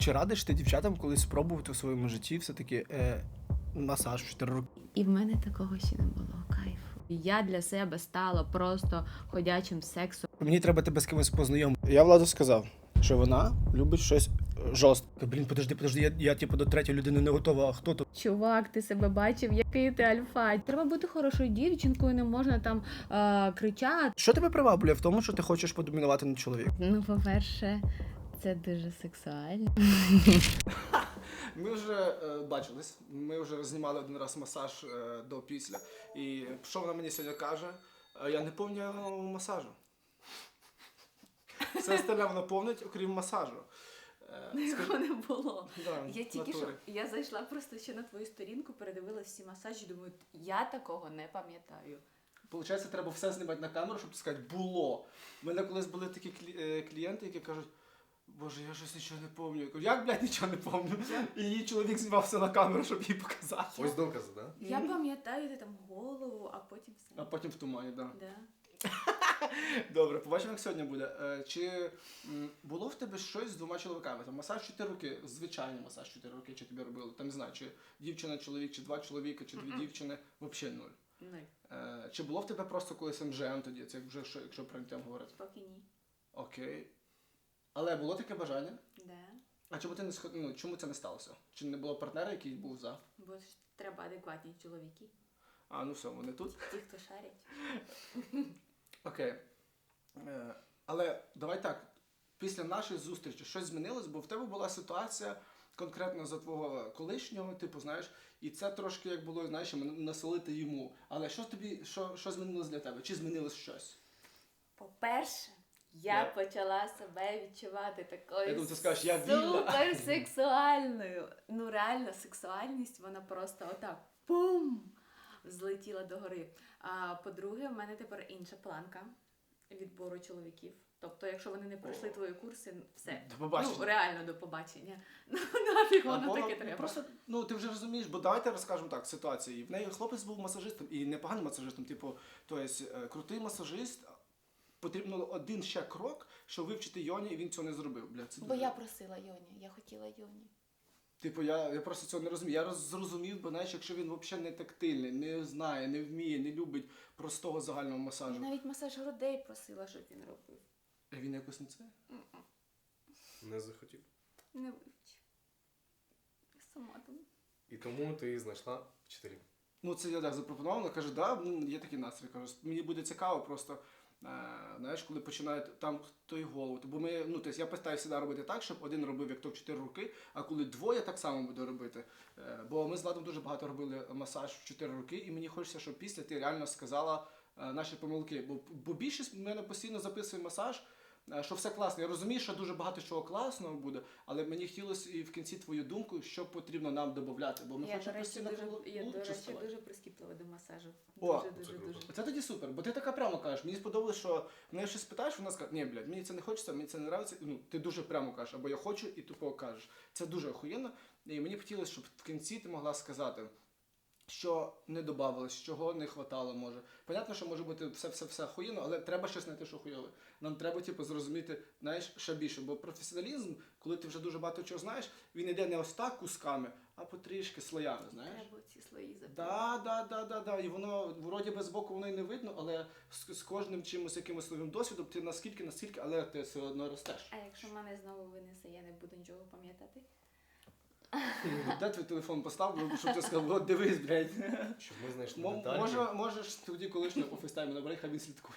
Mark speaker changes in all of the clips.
Speaker 1: Чи радиш ти дівчатам колись спробувати у своєму житті все-таки масаж в 4 роки?
Speaker 2: І в мене такого ще не було кайфу. Я для себе стала просто ходячим сексом.
Speaker 1: Мені треба тебе з кимось познайомити. Я Владу сказав, що вона любить щось жорстке. Блін, подожди, я типу до третьої людини не готова, а хто то?
Speaker 2: Чувак, ти себе бачив, який ти альфа. Треба бути хорошою дівчинкою, не можна там кричати.
Speaker 1: Що тебе приваблює в тому, що ти хочеш подомінувати над чоловіком?
Speaker 2: Ну, по-перше, це дуже сексуально.
Speaker 1: Ми вже бачились, ми вже знімали один раз масаж до-після. І що вона мені сьогодні каже? Я не пам'ятаю масажу. Все остальне вона помнить, окрім масажу.
Speaker 2: Такого не було.
Speaker 1: Да,
Speaker 2: Я тільки
Speaker 1: натурі.
Speaker 2: що я зайшла просто ще на твою сторінку, передивилась всі масажі, думаю, я такого не пам'ятаю.
Speaker 1: Получається, треба все знімати на камеру, щоб сказати «було». У мене колись були такі клієнти, які кажуть, Боже, я щось нічого не пам'ятаю. Я кажу, як, блядь, нічого не пам'ятаю? І її чоловік знімав все на камеру, щоб їй показати.
Speaker 3: Ось докази, да?
Speaker 2: Я пам'ятаю, ти там голову, а потім все.
Speaker 1: А потім в тумані, так.
Speaker 2: Да.
Speaker 1: Добре, побачимо, як сьогодні буде. Чи було в тебе щось з 2 чоловіками? Там масаж 4 роки, звичайний масаж 4 роки, чи тобі робили? Там не знаю, чи дівчина, чоловік, чи 2 чоловіка, чи 2 дівчини, взагалі 0. Чи було в тебе просто колись МЖМ тоді, це вже якщо про інтим говорити?
Speaker 2: Поки ні.
Speaker 1: Окей. Але було таке бажання?
Speaker 2: Да.
Speaker 1: А чому ти не чому це не сталося? Чи не було партнера, який був за?
Speaker 2: Бо ж треба адекватні чоловіки.
Speaker 1: А, ну все, вони тут.
Speaker 2: Ті, хто шарять.
Speaker 1: Окей. Але давай так, після нашої зустрічі щось змінилось, бо в тебе була ситуація конкретно за твого колишнього, типу, знаєш, і це трошки як було, знаєш, насолити йому. Але що тобі, що змінилось для тебе? Чи змінилось щось?
Speaker 2: По-перше, я почала себе відчувати
Speaker 1: Я
Speaker 2: такою
Speaker 1: думаю, ти скажеш, я вільна.
Speaker 2: суперсексуальною. Ну реально, сексуальність, вона просто отак пум! Злетіла догори. А по-друге, в мене тепер інша планка відбору чоловіків. Тобто, якщо вони не пройшли твої курси, все.
Speaker 1: До побачення.
Speaker 2: Ну, реально до побачення. Ну, нафіг воно таке треба.
Speaker 1: Просто, ну ти вже розумієш, бо давайте розкажемо так, ситуації. В неї хлопець був масажистом, і непоганим масажистом, типу, крутий масажист, потрібно один ще крок, щоб вивчити Йоні, і він цього не зробив. Бля, це
Speaker 2: Бо
Speaker 1: дуже...
Speaker 2: я просила Йоні, я хотіла Йоні.
Speaker 1: Типу, я просто цього не розумію. Я зрозумів, бо знаєш, якщо він взагалі не тактильний, не знає, не вміє, не любить простого загального масажу.
Speaker 2: Я навіть масаж грудей просила, щоб він робив.
Speaker 1: А він якось не це?
Speaker 3: Не захотів.
Speaker 2: Не вивчив. Я сама там.
Speaker 3: І тому ти знайшла вчителів.
Speaker 1: Ну, це я так запропонував, вона каже, є такий настрій. Кажу, мені буде цікаво просто, знаєш, коли починають там той голову. Бо ми, ну, тобто я постараюся завжди робити так, щоб один робив як то в 4 роки, а коли двоє так само буде робити. Бо ми з Владом дуже багато робили масаж в 4 роки, і мені хочеться, щоб після ти реально сказала наші помилки. Бо більшість в мене постійно записує масаж, що все класно. Я розумію, що дуже багато чого класного буде, але мені хотілося і в кінці твою думку, що потрібно нам додати. Бо ми
Speaker 2: Я,
Speaker 1: хочемо постійно
Speaker 2: до речі,
Speaker 1: ставати.
Speaker 2: дуже прискіплива до масажу.
Speaker 1: О,
Speaker 2: Дуже.
Speaker 1: Це тоді супер, бо ти така прямо кажеш. Мені сподобалось, що мене щось питаєш, вона скаже, ні, блядь, мені це не хочеться, мені це не подобається. Ну, ти дуже прямо кажеш, або я хочу, і тупо кажеш. Це дуже охуєнно. І мені б хотілося, щоб в кінці ти могла сказати, що не додавалось, чого не хватало, може. Понятно, що може бути все охуєнно, але треба щось знайти, що хуйове. Нам треба, типу, зрозуміти, знаєш, ще більше. Бо професіоналізм, коли ти вже дуже багато чого знаєш, він йде не ось так кусками, а потрішки слоями, знаєш.
Speaker 2: Треба ці слої запити.
Speaker 1: Да. І воно, вроді без боку воно і не видно, але з кожним чимось, якимось новим досвідом, ти наскільки, але ти все одно ростеш.
Speaker 2: А якщо мене знову винесе, я не буду нічого пам'ятати?
Speaker 1: Де твій телефон постав, щоб ти сказав, от дивись, блядь.
Speaker 3: Щоб ми знайшли детальки.
Speaker 1: Можеш тоді колишнього по фейстайму набрати, хай він слідкує.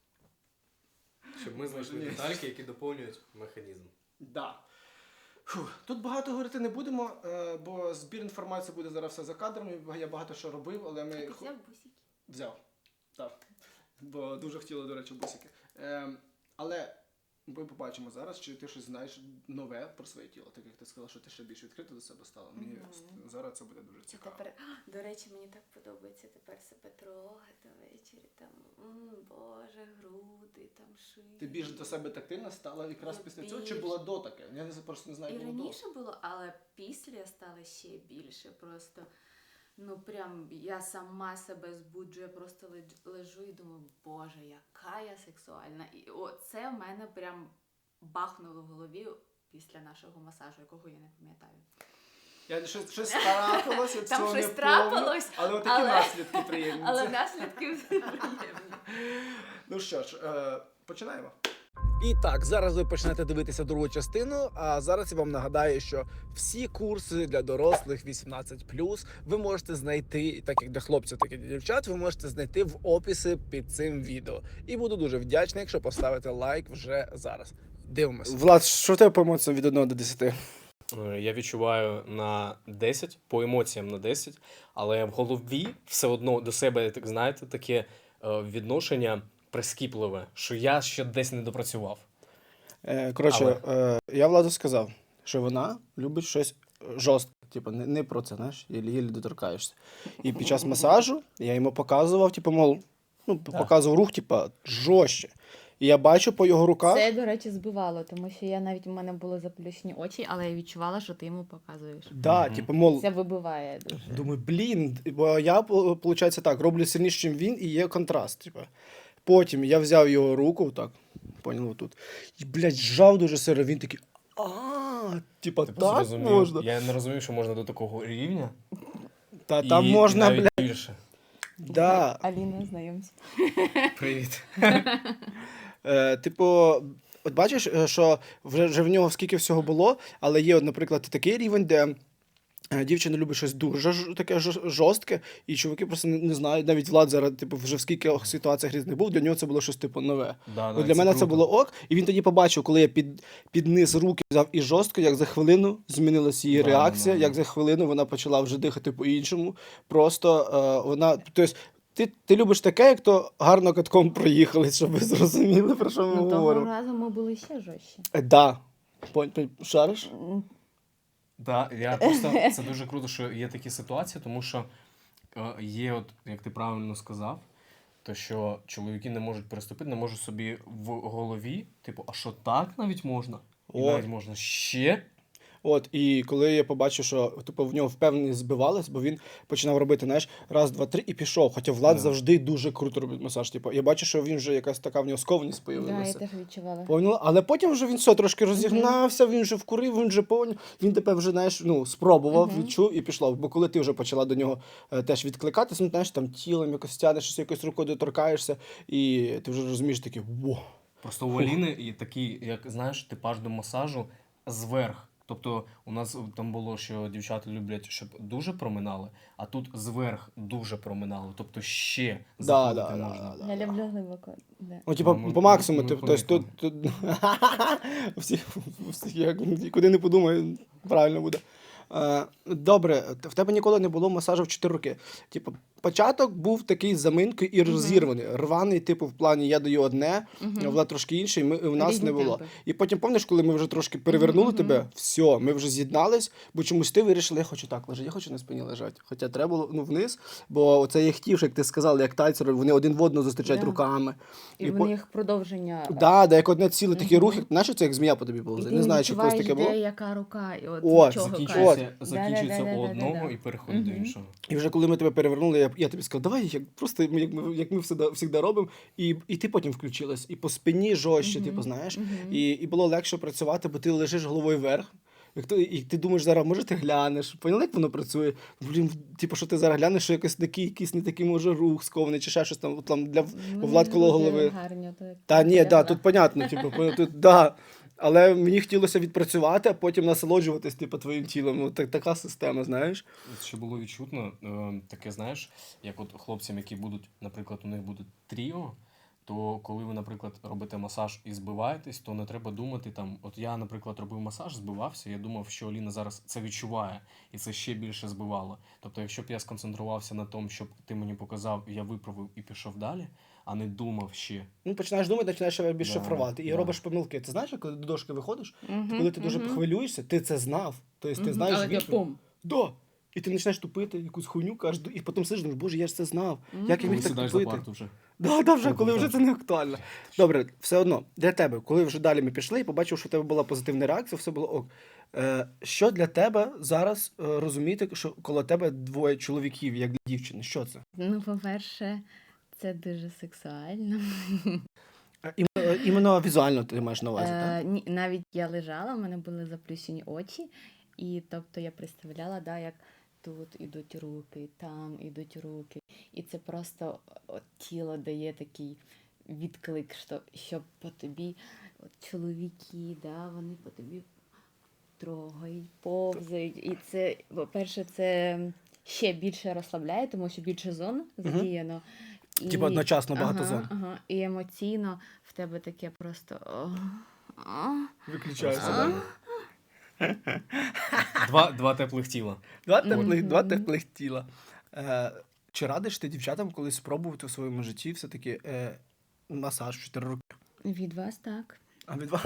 Speaker 3: Щоб ми знайшли детальки, які доповнюють механізм.
Speaker 1: Да. Тут багато говорити не будемо, бо збір інформації буде зараз все за кадрами. Я багато що робив, але ми...
Speaker 2: Ти взяв бусики?
Speaker 1: Взяв. Так. Бо дуже хотіли, до речі, бусики. Але ми побачимо зараз, чи ти щось знаєш нове про своє тіло. Так як ти сказала, що ти ще більш відкрита до себе стала. Мені зараз це буде дуже цікаво.
Speaker 2: Тепер, до речі, мені так подобається тепер себе трогати ввечері. Там, боже, груди, там шиї.
Speaker 1: Ти більш до себе тактильна стала якраз
Speaker 2: Я
Speaker 1: після цього,
Speaker 2: більш.
Speaker 1: чи було до таке? Я просто не знаю,
Speaker 2: І
Speaker 1: як було до.
Speaker 2: раніше було, але після стало ще більше. Просто, ну прям я сама себе збуджую, я просто лежу і думаю, боже, яка я сексуальна. І оце в мене прям бахнуло в голові після нашого масажу, якого я не пам'ятаю.
Speaker 1: Щось трапилося,
Speaker 2: Там
Speaker 1: цього
Speaker 2: щось
Speaker 1: не
Speaker 2: трапилось,
Speaker 1: помню, але отакі
Speaker 2: але-
Speaker 1: наслідки приємні.
Speaker 2: Але наслідки приємні.
Speaker 1: Ну що ж, починаємо. І так, зараз ви почнете дивитися другу частину, а зараз я вам нагадаю, що всі курси для дорослих 18+, ви можете знайти, так як для хлопців, так і для дівчат, ви можете знайти в описі під цим відео. І буду дуже вдячний, якщо поставите лайк вже зараз. Дивимось. Влад, що в тебе по емоціям від 1 до 10?
Speaker 3: Я відчуваю на 10, по емоціям на 10, але в голові все одно до себе, так знаєте, таке відношення прискіпливе, що я ще десь не допрацював.
Speaker 1: Коротше, я Владу сказав, що вона любить щось жорстке. Типу, не про це, знаєш, єлі доторкаєшся. І під час масажу я йому показував, типу, мол, показував рух, типу, жорстче. І я бачу по його руках.
Speaker 2: Це, до речі, збивало, тому що я навіть у мене були заплющені очі, але я відчувала, що ти йому показуєш.
Speaker 1: Да, типу, мол,
Speaker 2: Це вибиває дуже.
Speaker 1: думаю, блін, бо я, виходить, так, роблю сильніше, ніж він, і є контраст, типу. Потім я взяв його руку, так, поняв, отут, і, блядь, зжав дуже сильно, він такий, типа,
Speaker 3: Ти
Speaker 1: так
Speaker 3: зрозумів?
Speaker 1: можна?
Speaker 3: Я не розумів, що можна до такого рівня.
Speaker 1: Та
Speaker 3: і,
Speaker 1: там можна,
Speaker 3: і навіть
Speaker 1: блядь,
Speaker 3: більше.
Speaker 1: да.
Speaker 2: Аліна, знайомся.
Speaker 3: Привіт.
Speaker 1: Типу, от бачиш, що вже в нього скільки всього було, але є, от, наприклад, такий рівень, де дівчина любить щось дуже таке жорстке, і чуваки просто не знають, навіть Влад зараз, типу, вже в скільки ситуаціях різних був, для нього це було щось, типу, нове. От для мене це
Speaker 3: круто.
Speaker 1: було ок, і він тоді побачив, коли я під низ руки взяв і жорстко, як за хвилину змінилася її реакція, як за хвилину вона почала вже дихати по-іншому. Просто вона, тобто, ти любиш таке, як то гарно катком проїхали, щоб ви зрозуміли, про що ми
Speaker 2: Ну, того
Speaker 1: говоримо.
Speaker 2: разу ми були ще жорстче.
Speaker 1: Да. Шариш?
Speaker 3: Так, я просто це дуже круто, що є такі ситуації, тому що є, от, як ти правильно сказав, то що чоловіки не можуть переступити, не можуть собі в голові, типу, а що так навіть можна? І
Speaker 1: О.
Speaker 3: навіть можна ще?
Speaker 1: От, і коли я побачив, що типу, в нього впевненість збивалась, бо він починав робити, знаєш, раз, два, три і пішов. Хоча Влад
Speaker 3: Да.
Speaker 1: завжди дуже круто робить масаж. Типу, я бачу, що він вже якась така в нього скованість
Speaker 2: Да, я
Speaker 1: появилася.
Speaker 2: теж відчувала.
Speaker 1: Поняла? Але потім вже він все трошки розігнався, він вже вкурив, він вже поняв. Він тепер вже, знаєш, ну, спробував, відчув і пішов. Бо коли ти вже почала до нього теж відкликатися, ну, знаєш, там тілом якось тянеш, щось якось рукою доторкаєшся, і ти вже розумієш такий, во.
Speaker 3: Просто у Аліни є такий, як знаєш, типаж до масажу зверх. Тобто у нас там було, що дівчата люблять, щоб дуже проминали, а тут зверх дуже проминали. Тобто ще заходити можна.
Speaker 2: Я люблю глибоко. Да.
Speaker 1: Ну, типа,
Speaker 3: Ми-
Speaker 1: по максимуму,
Speaker 3: ми
Speaker 1: типу, тобто тут всі, як куди не подумаю, правильно буде. Добре, в тебе ніколи не було масажу в 4 роки. Типу, початок був такий з заминкою і розірваний. Рваний, типу, в плані я даю одне, Влад трошки інший, і в нас
Speaker 2: Різні
Speaker 1: не було.
Speaker 2: темпи.
Speaker 1: І потім, пам'ятаєш, коли ми вже трошки перевернули тебе, все, ми вже з'єднались, бо чомусь ти вирішила, я хочу так лежати, я хочу на спині лежати. Хоча треба було вниз, бо це я хотів, як ти сказала, як тайцери, вони один в одного зустрічають
Speaker 2: Да.
Speaker 1: руками.
Speaker 2: І в них продовження.
Speaker 1: Да, як одне ціле такі рухи, знаєш, це як змія по тобі
Speaker 2: І
Speaker 1: повзе.
Speaker 2: ти
Speaker 1: Не знаю, чи в когось таке
Speaker 2: відчуваєш,
Speaker 1: було.
Speaker 2: де яка рука, і от
Speaker 1: О,
Speaker 2: від чого
Speaker 3: Закінчується,
Speaker 2: кайф.
Speaker 3: закінчується у
Speaker 2: Да-да-да-да-да-да.
Speaker 3: одного і переходить до іншого.
Speaker 1: І вже коли ми тебе перевернули, я тобі сказав, давай, просто як ми завжди робимо, і ти потім включилась. І по спині жорстче, типу, знаєш. І було легше працювати, бо ти лежиш головою вверх. І ти думаєш зараз, може ти глянеш, поняла, як воно працює? Блін, типу, що ти зараз глянеш, що якийсь не такий може рух скований, чи ще щось там для Влад коло голови.
Speaker 2: Гарні, так.
Speaker 1: Та ні, да, тут понятно, типу, тут да. Але мені хотілося відпрацювати, а потім насолоджуватись, типу, твоїм тілом. Ну, така система, знаєш.
Speaker 3: Що було відчутно, таке, знаєш, як от хлопцям, які будуть, наприклад, у них буде тріо, то коли ви, наприклад, робите масаж і збиваєтесь, то не треба думати там, от я, наприклад, робив масаж, збивався, я думав, що Аліна зараз це відчуває, і це ще більше збивало. Тобто, якщо б я сконцентрувався на тому, щоб ти мені показав, я виправив і пішов далі, а не думав ще.
Speaker 1: Ну, починаєш думати, починаєш ще більше
Speaker 3: Да,
Speaker 1: шифрувати. І
Speaker 3: да.
Speaker 1: робиш помилки. Ти знаєш, коли до дошки виходиш, коли ти дуже хвилюєшся, ти це знав. Тобто ти знаєш
Speaker 2: Але
Speaker 1: відповідь.
Speaker 2: пум.
Speaker 1: Да. І ти починаєш тупити, якусь хуйню кажеш, і потім сидиш, думаєш, боже, я ж це знав. Як я
Speaker 3: Коли
Speaker 1: міг так
Speaker 3: сідаєш за
Speaker 1: тупити?
Speaker 3: парту вже.
Speaker 1: Да, вже, коли вже це не актуально. Добре, все одно, для тебе, коли вже далі ми пішли і побачив, що у тебе була позитивна реакція, все було ок. Що для тебе зараз розуміти, що коло тебе двоє чоловіків, як для дівчини? Що це?
Speaker 2: Ну, по-перше, це дуже сексуально.
Speaker 1: Іменно візуально ти маєш на увазі, так?
Speaker 2: Ні, навіть я лежала, в мене були заплющені очі, і тобто я представляла, да, як тут ідуть руки, там ідуть руки. І це просто от, тіло дає такий відклик, що по тобі от, чоловіки, да, вони по тобі трогають, повзають. І це, по-перше, це ще більше розслабляє, тому що більше зон задіяно. І,
Speaker 1: Типа одночасно багато зон.
Speaker 2: Ага, і емоційно в тебе таке просто.
Speaker 1: Виключається,
Speaker 3: Ага.
Speaker 1: так?
Speaker 3: Два теплих тіла.
Speaker 1: Два теплих тіла. Чи радиш ти дівчатам колись спробувати в своєму житті все-таки масаж в 4 роки?
Speaker 2: Від вас так.
Speaker 1: А від вас?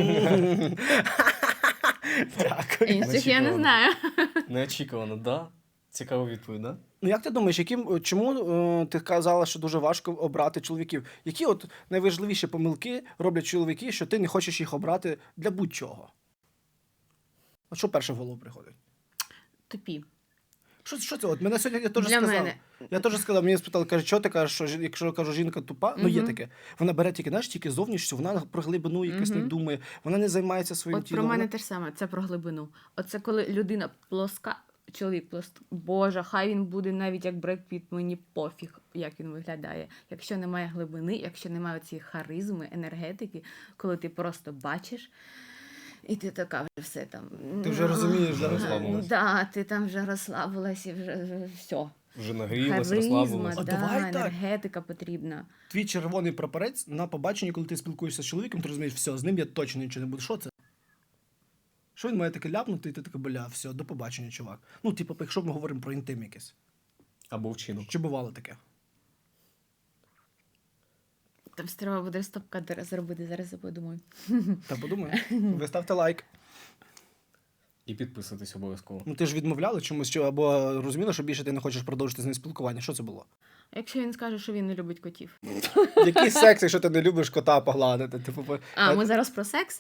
Speaker 1: Дякую.
Speaker 2: Інших я не
Speaker 3: Неочікувано.
Speaker 2: знаю.
Speaker 3: Неочікувано, да? Цікава відповідь, да?
Speaker 1: Ну як ти думаєш, чому ти казала, що дуже важко обрати чоловіків? Які от найважливіші помилки роблять чоловіки, що ти не хочеш їх обрати для будь-чого? От що перше в голову приходить?
Speaker 2: Тупі.
Speaker 1: Що це? От мене сьогодні я теж
Speaker 2: Для
Speaker 1: сказав.
Speaker 2: мене.
Speaker 1: Я теж сказав, мені спитали, каже, що ти кажеш, що якщо я кажу, жінка тупа, ну є
Speaker 2: Мгм.
Speaker 1: таке. Вона бере тільки, знаєш, тільки зовнішню, вона про глибину якось не думає, вона не займається своїм
Speaker 2: От
Speaker 1: тілом.
Speaker 2: про мене
Speaker 1: вона-
Speaker 2: те ж саме, це про глибину. Оце коли людина плоска, чоловік плоска, Боже, хай він буде навіть як Бред Піт, мені пофіг, як він виглядає. Якщо немає глибини, якщо немає цієї харизми, енергетики, коли ти просто бачиш, і ти така вже все там.
Speaker 1: Ти вже розумієш, да?
Speaker 3: Розслабилась.
Speaker 2: Да, ти там вже розслабилась і вже все.
Speaker 3: Вже нагрілась,
Speaker 2: Харизма,
Speaker 3: розслабилась.
Speaker 1: А
Speaker 2: да,
Speaker 1: давай так.
Speaker 2: енергетика потрібна.
Speaker 1: Твій червоний прапорець на побаченні, коли ти спілкуєшся з чоловіком, ти розумієш, все, з ним я точно нічого не буду. Що це? Що він має таке ляпнути, і ти таке, бля, все, до побачення, чувак. Ну, типу, якщо ми говоримо про інтим якийсь.
Speaker 3: Або вчинок.
Speaker 1: Чи бувало таке?
Speaker 2: Там треба буде стоп-кадр зробити, зараз я подумаю.
Speaker 1: Та подумай. Ви ставте лайк.
Speaker 3: І підписуйтесь обов'язково.
Speaker 1: Ну ти ж відмовляла чомусь, або розуміла, що більше ти не хочеш продовжити з ним спілкування. Що це було?
Speaker 2: Якщо він скаже, що він не любить котів.
Speaker 1: Який секс, якщо ти не любиш кота погладити? Типу,
Speaker 2: Ми зараз про секс?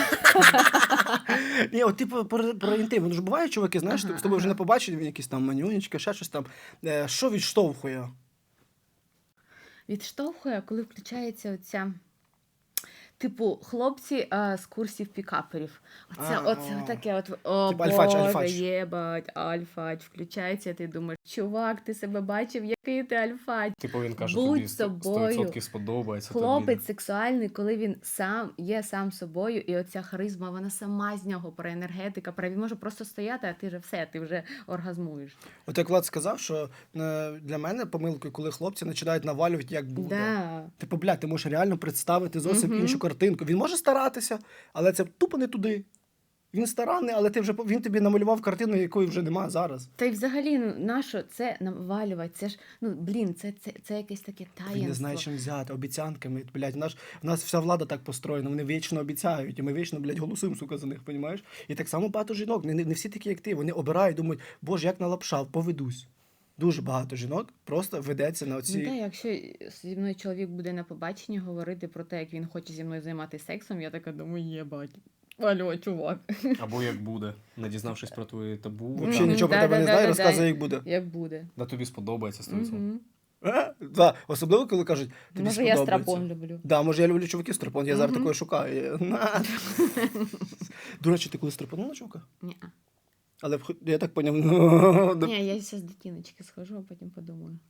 Speaker 1: Ні, от типу про інтим. Ну ж буває, чуваки, знаєш, з тобою вже не побачить, він якісь там манюнечки, ще щось там. Що відштовхує?
Speaker 2: Відштовхує, коли включається оця. Типу, хлопці з курсів пікаперів. Оце таке от, о
Speaker 1: Типу альфач,
Speaker 2: Боже,
Speaker 1: альфач.
Speaker 2: єбать, альфач. Включається, ти думаєш, чувак, ти себе бачив, який ти альфач.
Speaker 3: Типу він каже,
Speaker 2: Будь
Speaker 3: тобі
Speaker 2: собою.
Speaker 3: 100% сподобається.
Speaker 2: Хлопець сексуальний, коли він сам собою, і оця харизма, вона сама з нього про енергетика, про він може просто стояти, а ти вже ти вже оргазмуєш.
Speaker 1: От як Влад сказав, що для мене помилкою, коли хлопці починають навалювати, як буде.
Speaker 2: Да.
Speaker 1: Типу, бля, ти можеш реально представити зовсім іншу картинку. Він може старатися, але це тупо не туди. Він старанний, але він тобі намалював картину, якої вже немає зараз.
Speaker 2: Та й взагалі, нащо це навалювати? Це ж, це якесь таке таїнство.
Speaker 1: Він не знає, чим взяти, обіцянками. Блядь, в нас вся влада так построєна, вони вічно обіцяють, і ми вічно, блядь, голосуємо, сука, за них, понімаєш? І так само багато жінок, не всі такі, як ти, вони обирають, думають, боже, як налапшав, поведусь. Дуже багато жінок просто ведеться на оці...
Speaker 2: Ну так, якщо зі мною чоловік буде на побаченні говорити про те, як він хоче зі мною займатися сексом, я така думаю, єбать. Алло, чувак.
Speaker 3: Або як буде, не дізнавшись про твої табу.
Speaker 1: Взагалі
Speaker 2: Мгм,
Speaker 1: нічого про тебе не знає,
Speaker 2: да-да-да-да.
Speaker 1: розказує, як буде.
Speaker 2: Як буде.
Speaker 3: Да тобі сподобається 100%.
Speaker 2: Мгм.
Speaker 1: Да, особливо, коли кажуть, тобі
Speaker 2: Може, я
Speaker 1: сподобається.
Speaker 2: страпон люблю.
Speaker 1: Да, може, я люблю чуваків страпон, я зараз
Speaker 2: Мгм.
Speaker 1: такої шукаю. На. До речі, ти коли страпонула чувака?
Speaker 2: Ні,
Speaker 1: Але я так поняв, ну...
Speaker 2: ні, я зараз до тіночки схожу, а потім подумаю.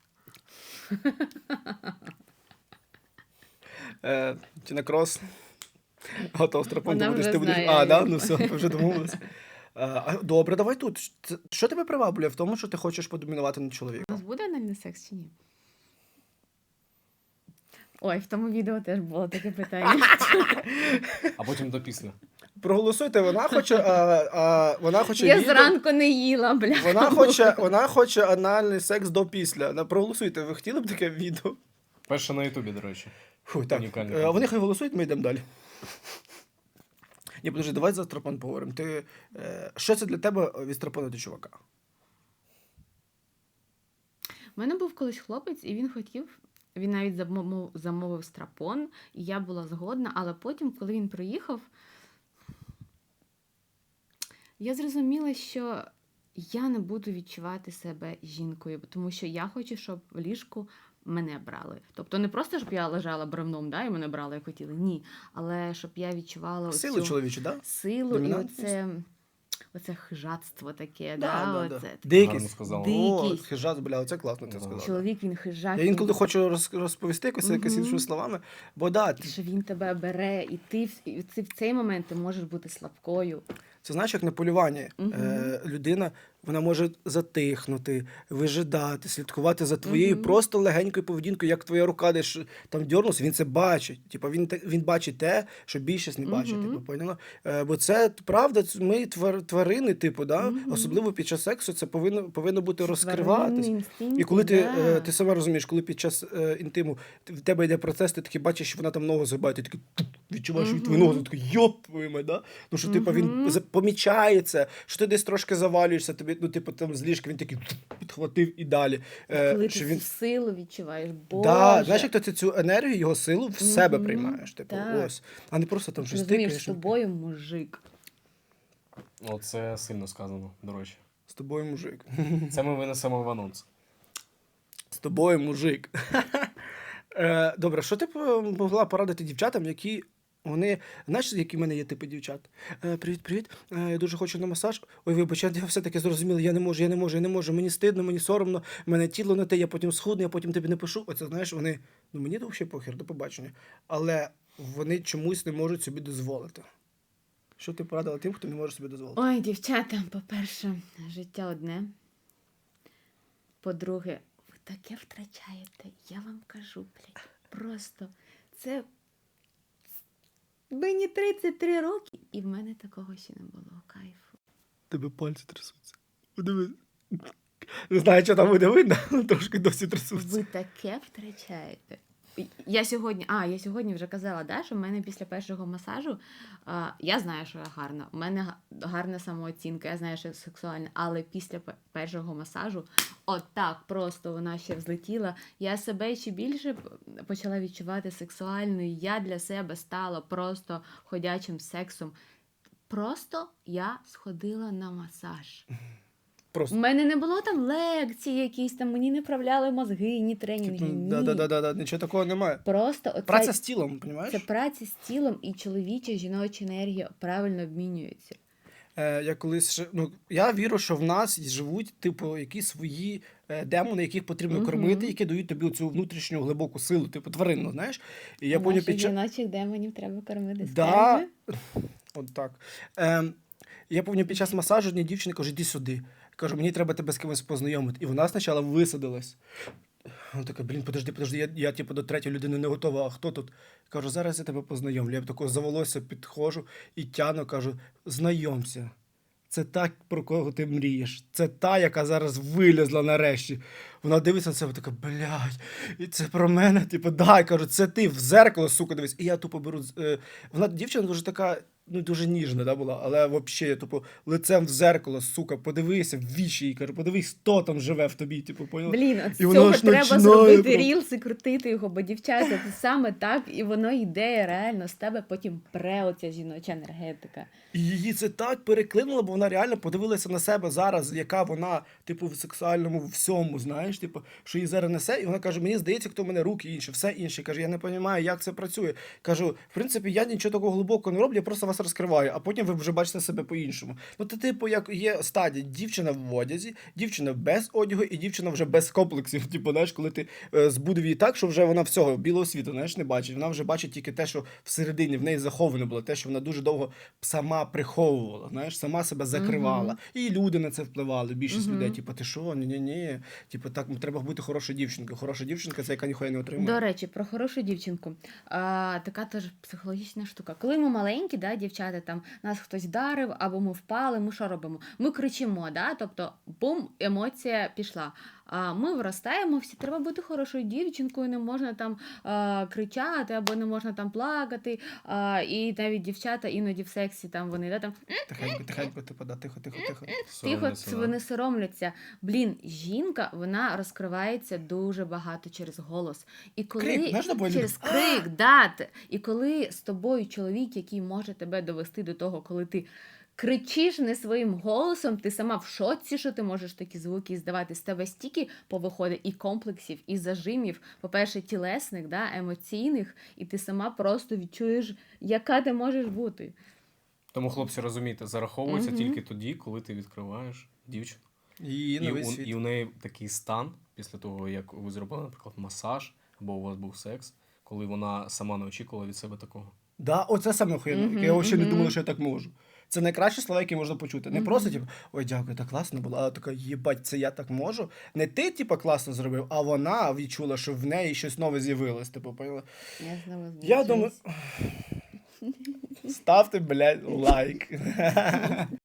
Speaker 1: Чи на крос? Готов страпон,
Speaker 2: Вона
Speaker 1: ти будеш,
Speaker 2: вже
Speaker 1: ти будеш.
Speaker 2: знає,
Speaker 1: А,
Speaker 2: як
Speaker 1: да?
Speaker 2: він.
Speaker 1: Ну все, ми вже домовилися. Добре, давай тут. Що тебе приваблює в тому, що ти хочеш подомінувати над
Speaker 2: У
Speaker 1: чоловіком?
Speaker 2: нас буде анальний секс чи ні? Ой, в тому відео теж було таке питання.
Speaker 3: А потім до після.
Speaker 1: Проголосуйте, вона хоче
Speaker 2: Я
Speaker 1: відео.
Speaker 2: зранку не їла, бля.
Speaker 1: Вона хоче анальний секс до після. Проголосуйте, ви хотіли б таке відео?
Speaker 3: Перше на Ютубі, до речі.
Speaker 1: Фу, так.
Speaker 3: Унікальний
Speaker 1: Вони
Speaker 3: контент.
Speaker 1: хай голосують, ми йдемо далі. Ні, подожди, давай за страпон поговоримо. Що це для тебе від страпону до чувака?
Speaker 2: У мене був колись хлопець, і він хотів, він навіть замовив страпон, і я була згодна, але потім, коли він приїхав, я зрозуміла, що я не буду відчувати себе жінкою, тому що я хочу, щоб в ліжку мене брали. Тобто не просто, щоб я лежала бревном, да, і мене брали, як хотіли. Ні. Але щоб я відчувала
Speaker 1: Силу
Speaker 2: оцю
Speaker 1: чоловічу, так? Да?
Speaker 2: силу і
Speaker 1: Домінантність?
Speaker 2: оце хижацтво таке,
Speaker 1: Да.
Speaker 2: оце.
Speaker 3: Гарно
Speaker 1: Дикість.
Speaker 3: сказала.
Speaker 1: О,
Speaker 2: Дикість.
Speaker 1: хижак, бля, це класно ти
Speaker 3: Да.
Speaker 1: сказала.
Speaker 2: Чоловік, він хижак.
Speaker 1: Я
Speaker 2: він-
Speaker 1: інколи хочу розповісти якось
Speaker 2: Мгм.
Speaker 1: іншими словами, бо да,
Speaker 2: що він тебе бере, і ти в цей момент ти можеш бути слабкою.
Speaker 1: це знаєш, як на полюванні.
Speaker 2: Мгм.
Speaker 1: Людина вона може затихнути, вижидати, слідкувати за твоєю
Speaker 2: Мгм.
Speaker 1: просто легенькою поведінкою, як твоя рука десь там дьорнувся, він це бачить. Типа він бачить те, що більшість не бачить.
Speaker 2: Мгм.
Speaker 1: Типу, поняла? Бо це правда, ми тварини, типу, да?
Speaker 2: Мгм.
Speaker 1: Особливо під час сексу це повинно бути
Speaker 2: Тваринні
Speaker 1: розкриватись.
Speaker 2: інстинкти,
Speaker 1: І коли
Speaker 2: да.
Speaker 1: ти сама розумієш, коли під час інтиму в тебе йде процес, ти такий бачиш, що вона там ногу згибає, ти такий відчуваєш від твою
Speaker 2: Мгм.
Speaker 1: ногу, ти такий йоп твою мать, да? Ну що типу, він
Speaker 2: Мгм.
Speaker 1: помічається, що ти десь трошки завалюєшся, тобі, ну, типу, там з ліжка він такий підхватив і далі.
Speaker 2: Коли
Speaker 1: Що
Speaker 2: ти
Speaker 1: він...
Speaker 2: цю силу відчуваєш,
Speaker 1: Да, знаєш,
Speaker 2: Боже.
Speaker 1: як ти цю енергію, його силу в себе
Speaker 2: Мгм.
Speaker 1: приймаєш. Типу,
Speaker 2: Так.
Speaker 1: ось. А не просто там
Speaker 2: Ти
Speaker 1: щось
Speaker 2: розумієш, з
Speaker 1: тикаєш.
Speaker 2: тобою мужик.
Speaker 3: Оце сильно сказано, до речі.
Speaker 1: З тобою мужик.
Speaker 3: Це ми винесемо в анонс.
Speaker 1: З тобою мужик. Добре, що ти б могла порадити дівчатам, які вони, знаєш, які в мене є типи дівчат? Привіт. Я дуже хочу на масаж. Ой, вибач, я все-таки зрозуміла, я не можу. Мені стидно, мені соромно, в мене тіло не те, я потім схудну, я потім тобі не пишу. Оце, знаєш, вони, ну мені взагалі похер, до побачення. Але вони чомусь не можуть собі дозволити. Що ти порадила тим, хто не може собі дозволити?
Speaker 2: Ой, дівчата, по-перше, життя одне. По-друге, ви таке втрачаєте. Я вам кажу, блядь, просто це мені 33 роки, і в мене такого ще не було кайфу.
Speaker 1: Тебе пальці трясуться. Подивись. Не знаю, що там буде видно, але трошки досі трясуться.
Speaker 2: Ви таке втрачаєте. Я сьогодні вже казала, да, що в мене після першого масажу, я знаю, що я гарна, у мене гарна самооцінка, я знаю, що я сексуальна, але після першого масажу, отак просто вона ще взлетіла, я себе ще більше почала відчувати сексуальною, я для себе стала просто ходячим сексом. Просто я сходила на масаж. У
Speaker 1: Просто.
Speaker 2: мене не було там лекцій якісь, там мені не вправляли мозги, ні тренінги, ні.
Speaker 1: Да, нічого такого немає.
Speaker 2: Просто оце,
Speaker 1: Праця з тілом, розумієш?
Speaker 2: це праця з тілом, і чоловіча, жіноча енергія правильно обмінюється.
Speaker 1: Я колись я вірю, що в нас живуть, типу, якісь свої демони, яких потрібно
Speaker 2: Мгм.
Speaker 1: кормити, які дають тобі цю внутрішню глибоку силу, типу тваринну, знаєш? І я поняв
Speaker 2: Наших
Speaker 1: під час...
Speaker 2: жіночих демонів треба кормити.
Speaker 1: Да.
Speaker 2: скажи.
Speaker 1: От так. Я пам'ятаю, під час масажу одній дівчині кажу, іди сюди. Кажу, мені треба тебе з кимось познайомити. І вона спочатку висадилась. Вона така, блін, подожди, я типу, до третьої людини не готова, а хто тут? Кажу, зараз я тебе познайомлю. Я б такого за волосся підходжу і тяну, кажу, знайомся. Це та, про кого ти мрієш. Це та, яка зараз вилізла нарешті. Вона дивиться на себе, така, блядь, і це про мене, типу, дай, кажу, це ти в зеркало, сука, дивись. І я тупо беру, вона, дівчина дуже така, ну, дуже ніжна, да, була, але взагалі, типу, лицем в зеркало, сука, подивися в вічі, і кажу, подивись, хто там живе в тобі, типу, поняла?
Speaker 2: Блін, от з
Speaker 1: І воно
Speaker 2: цього
Speaker 1: аж
Speaker 2: треба
Speaker 1: починає
Speaker 2: зробити
Speaker 1: прям-
Speaker 2: рілс і крутити його, бо дівчата, це саме так, і воно йде реально з тебе, потім пре оця жіноча енергетика.
Speaker 1: І її це так переклинуло, бо вона реально подивилася на себе зараз, яка вона, типу, в сексуальному всьому, знаєш, типу, що її зараз несе, і вона каже, мені здається, хто в мене руки інші, все інше. Каже, я не розумію, як це працює. Кажу, в принципі, я нічого такого глибокого не роблю, я просто вас розкриваю, а потім ви вже бачите себе по-іншому. Ну, це, типу, як є стадія, дівчина в одязі, дівчина без одягу і дівчина вже без комплексів. Типу, знаєш, коли ти збудив її так, що вже вона всього, білого світу, знаєш, не бачить. Вона вже бачить тільки те, що всередині в неї заховане було, те, що вона дуже довго сама приховувала, знаєш, сама себе закривала. І люди на це впливали, більшість людей, типу, ти що, ні, типу, так, треба бути хорошою дівчинкою. Хороша дівчинка, це яка ніхуя не отримує.
Speaker 2: До речі, про хорошу дівчинку. Така теж психологічна штука. Коли ми маленькі, да, дівчата, там нас хтось вдарив, або ми впали, ми що робимо? Ми кричимо, да? Тобто, бум, емоція пішла. Ми виростаємо, всі треба бути хорошою дівчинкою, не можна там кричати, або не можна там плакати. І навіть дівчата іноді в сексі там вони, да, там
Speaker 1: Тихенько, типу, да, тихо.
Speaker 2: тихо,
Speaker 3: Соромляться, да.
Speaker 2: вони соромляться. Блін, жінка, вона розкривається дуже багато через голос. І коли
Speaker 1: Крик, знаєш, тобою
Speaker 2: через
Speaker 1: люди,
Speaker 2: крик, да, і коли з тобою чоловік, який може тебе довести до того, коли ти кричиш не своїм голосом, ти сама в шоці, що ти можеш такі звуки здавати. З тебе стільки повиходить і комплексів, і зажимів, по-перше, тілесних, да, емоційних, і ти сама просто відчуєш, яка ти можеш бути.
Speaker 3: Тому, хлопці, розумієте, зараховується
Speaker 2: Мгм.
Speaker 3: тільки тоді, коли ти відкриваєш дівчину.
Speaker 1: І
Speaker 3: І
Speaker 1: новий
Speaker 3: у,
Speaker 1: світ.
Speaker 3: і у неї такий стан, після того, як ви зробили, наприклад, масаж, або у вас був секс, коли вона сама не очікувала від себе такого.
Speaker 1: Да, оце саме охуєнно.
Speaker 2: Мгм,
Speaker 1: Я взагалі не
Speaker 2: мгм.
Speaker 1: думала, що я так можу. Це найкращі слова, які можна почути. Не
Speaker 2: Мгм.
Speaker 1: просто, типу, ой, дякую, так класно було, а така, єбать, це я так можу. Не ти, типу, класно зробив, а вона відчула, що в неї щось нове з'явилось. Типу, поняла?
Speaker 2: Я знову
Speaker 1: Я думаю, ставте, блядь, лайк.